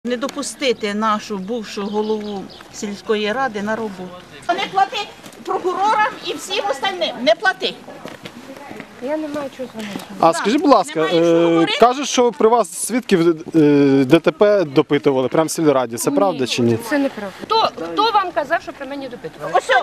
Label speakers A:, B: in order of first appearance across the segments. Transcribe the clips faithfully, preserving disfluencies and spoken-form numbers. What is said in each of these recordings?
A: Не допустити нашу бувшу голову сільської ради на роботу. Не плати прокурорам і всім остальним, не плати.
B: Я не маю чого з вами.
C: А скажіть, будь ласка, е, кажуть, що при вас свідків е, ДТП допитували прямо в сільраді. Це правда чи ні?
B: Це неправда. Хто, хто вам казав, що при мені допитували?
A: Ось,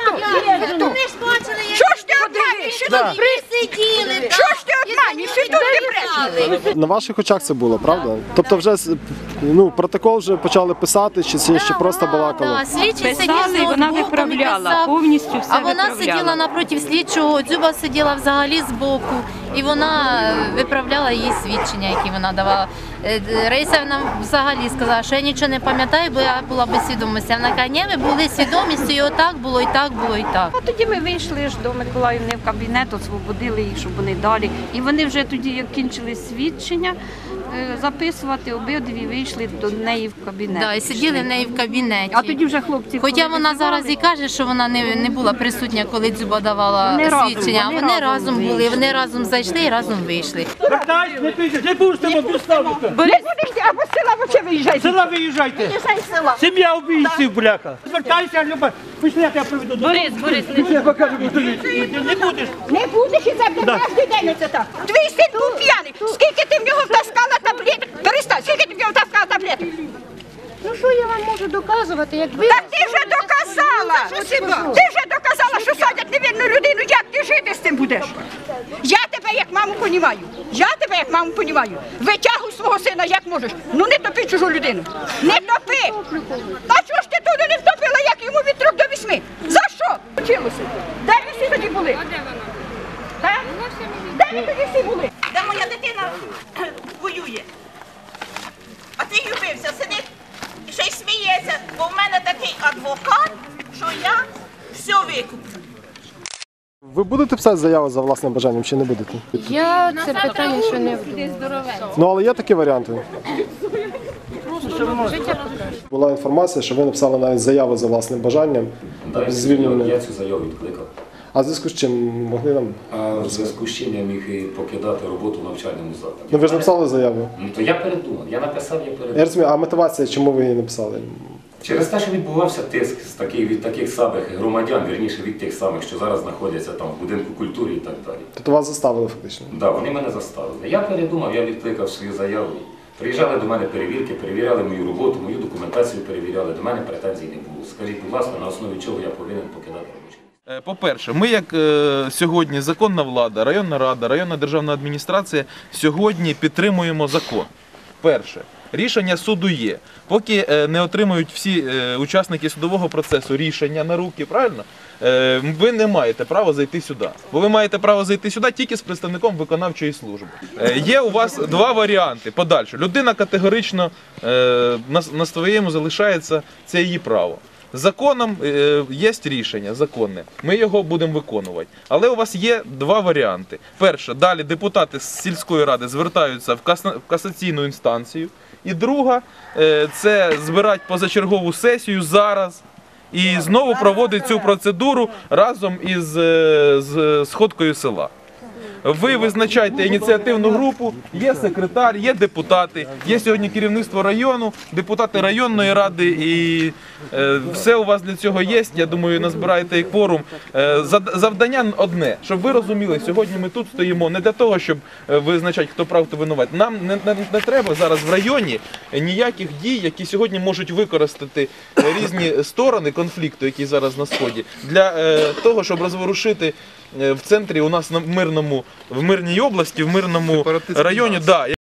D: Що ж ти обманюєш? Що тут присиділи? Що ж ти обманюєш? Що тут не брешеш?
C: На ваших очах це було, правда? Тобто вже ну, протокол вже почали писати, чи це ще просто балакали?
E: Слідчий сидів і вона виправляла, повністю все
F: А вона
E: виправляла.
F: сиділа напроти слідчого, Дзюба сиділа взагалі збоку, і вона виправляла її свідчення, які вона давала. Раїса нам взагалі сказала, що я нічого не пам'ятаю, бо я була без свідомості. Вона каже, ні, ви були свідомістю, і отак було, і так було, і так.
E: А тоді ми вийшли ж до Миколаївни в кабінет, освободили їх, щоб вони далі. І вони вже тоді, як кінчили свідчення записувати, обидві вийшли до неї в кабінет.
F: Да, і сиділи в неї в кабінеті.
E: А тоді вже хлопці,
F: Хоча
E: коли
F: вона
E: визивали,
F: зараз і каже, що вона не, не була присутня, коли Дзюба давала
E: Вони разом,
F: свідчення.
E: вони
F: Вони
E: разом
F: разом були,
E: вийшли.
F: вони разом зайшли і разом вийшли.
G: Вертайся, не підеш, не будеш там обіставити.
D: Не будеш ти, або з села вообще виїжджай.
G: З села виїжджайте. Сім'я убійців, бляха. Звертайся, Люба. Пішли, я тебе приведу.
E: Борис, Борис, не
G: Я покажу, куди не будеш.
D: Не будеш і це буде кожен день оце так. Твій син був п'яний. Скільки ти в нього втаскала таблеток? Перестань, скільки ти в нього втаскала таблеток?
B: Ну що я вам можу доказувати, як ви...
D: Так ти вже доказала. Ти вже доказала, що садять невинну людину. Як ти жити з цим будеш? Я тебе як маму понімаю. Я тебе як маму понімаю. Витягуй свого сина як можеш. Ну не топи чужу людину. Не топи. А чого ж ти туди не втопила, як йому від трьох до вісьми? За що? Вчилося. Де ви всі тоді були? Так? Де ви тоді всі були?
A: Де моя дитина воює? А ти любився, сидить і ще й сміється, бо в мене такий адвокат, що я все викуплю.
C: Ви будете писати заяву за власним бажанням чи не будете?
B: Я це питання ще не вдумала.
C: Ну, але є такі варіанти. Була інформація, що ви написали навіть заяву за власним бажанням.
H: Так,
C: звільнення.
H: я цю заяву відкликав.
C: А в зв'язку з чим могли нам?
H: А в зв'язку з чим я міг і покидати роботу в навчальному закладі.
C: Ну ви ж написали заяву.
H: Ну, то я передумав, я написав, я
C: Я
H: передумав.
C: розумію, а мотивація, чому ви її написали?
H: Через те, що відбувався тиск з таких, від таких самих громадян, вірніше від тих самих, що зараз знаходяться там в будинку культури і так далі.
C: Тобто вас заставили фактично?
H: Так, да, вони мене заставили. Я передумав, я відкликав свою заяву. Приїжджали до мене перевірки, перевіряли мою роботу, мою документацію перевіряли, до мене претензій не було. Скажіть, будь ласка, на основі чого я повинен покидати робочу?
I: По-перше, ми як е, сьогодні законна влада, районна рада, районна державна адміністрація сьогодні підтримуємо закон. Перше, рішення суду є. Поки е, не отримують всі е, учасники судового процесу рішення на руки, правильно? Е, ви не маєте права зайти сюди. Бо ви маєте право зайти сюди тільки з представником виконавчої служби. Е, є у вас два варіанти подальше. Людина категорично е, на, на своєму залишається, це її право. Законом е, є рішення законне, ми його будемо виконувати. Але у вас є два варіанти. Перше, далі депутати з сільської ради звертаються в, каса, в касаційну інстанцію. І друга, е, це збирати позачергову сесію зараз і знову проводити цю процедуру разом із е, з сходкою села. Ви визначаєте ініціативну групу, є секретар, є депутати, є сьогодні керівництво району, депутати районної ради і е, все у вас для цього є. Я думаю, назбираєте і кворум. Е, завдання одне, щоб ви розуміли, сьогодні ми тут стоїмо не для того, щоб визначати, хто прав, хто винуват. Нам не, не, не треба зараз в районі ніяких дій, які сьогодні можуть використати різні сторони конфлікту, який зараз на Сході, для е, того, щоб розворушити в центрі у нас на мирному, в мирній області, в мирному районі. Да,